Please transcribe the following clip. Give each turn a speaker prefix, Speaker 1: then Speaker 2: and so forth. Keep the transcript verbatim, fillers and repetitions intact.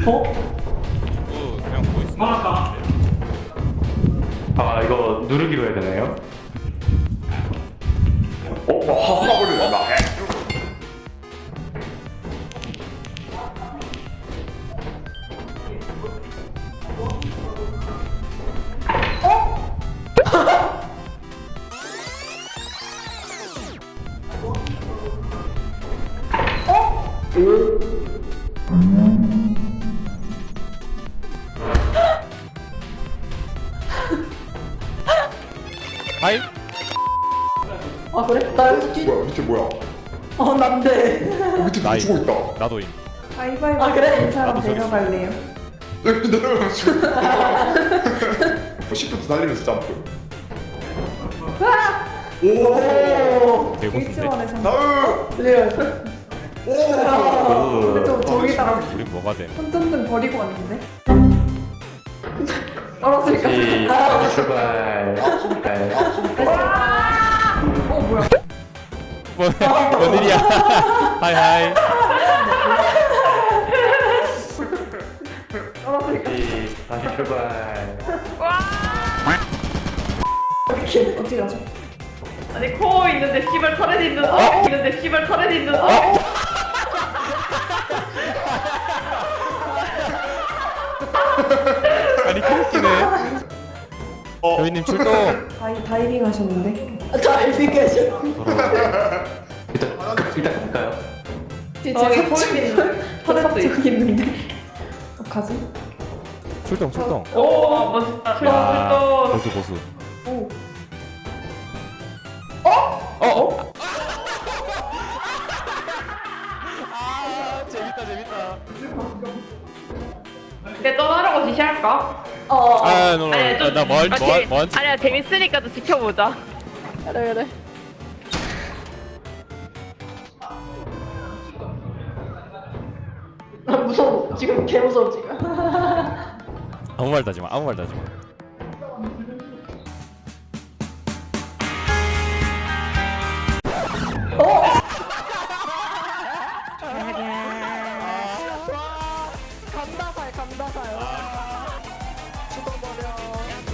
Speaker 1: 어?
Speaker 2: 그 그냥 보이스.
Speaker 1: 막았다. 아 이거 누르기로 해야 되나요?
Speaker 3: 어? 화버리네 나.
Speaker 2: 하이?
Speaker 4: 아 그래? 나 여기서 뛰.
Speaker 3: 뭐야 밑에 뭐야?
Speaker 4: 어 난데.
Speaker 3: 어, 밑에 누구
Speaker 2: 나이.
Speaker 3: 죽어 있다.
Speaker 2: 나도임.
Speaker 5: 가위바위보
Speaker 4: 아, 그래?
Speaker 5: 된 사람
Speaker 2: 나도 저기
Speaker 5: 내려갈래요?
Speaker 3: 여기 내려가지고. 시프트 달리면서 점프. 오.
Speaker 4: 오.
Speaker 2: 대고수인데.
Speaker 5: 일지원에서
Speaker 3: 다음.
Speaker 4: 네.
Speaker 3: 오.
Speaker 5: 근데 좀 저기다가
Speaker 2: 우린 뭐가 돼?
Speaker 5: 손전등 버리고 왔는데?
Speaker 4: 떨어질까?
Speaker 1: 시작 출발. 네.
Speaker 5: 어 뭐야?
Speaker 2: 뭐, 뭔 일이야? 하이 하이.
Speaker 4: 떨어질까?
Speaker 1: 시- 다시 출발.
Speaker 4: 어떻게 어떻게 가죠?
Speaker 6: 아니 코 있는데 씨발 털에 있는 어? 있는데 씨발 털에 있는 어?
Speaker 2: 아니 웃기네. 여인님 출동.
Speaker 5: 다이, 다이빙 하셨는데?
Speaker 4: 다이빙 가죠.
Speaker 1: 일단 일단 갈까요?
Speaker 6: 저기 코 있는 털에
Speaker 5: 저기 있는데? 어떡하지?
Speaker 2: 출동 출동.
Speaker 6: 오 멋있다.
Speaker 2: 아,
Speaker 6: 또
Speaker 2: 고수 고수.
Speaker 5: 오
Speaker 2: 어? 어? 아 재밌다 재밌다.
Speaker 6: 이제 떠나라고 지시할까?
Speaker 4: 어.
Speaker 2: 아, 너,
Speaker 6: 아니야, 좀-
Speaker 2: 나뭐
Speaker 6: 아,
Speaker 2: 뭐,
Speaker 6: 재-
Speaker 2: 뭐,
Speaker 6: 아니야 재밌으니까 또 지켜보자.
Speaker 4: 그래 그래. 아 무서워. 지금 개 무서워 지금.
Speaker 2: 아무 말도 하지 마. 아무 말도 하지 마.
Speaker 4: 감다살 감다살. 죽어버려.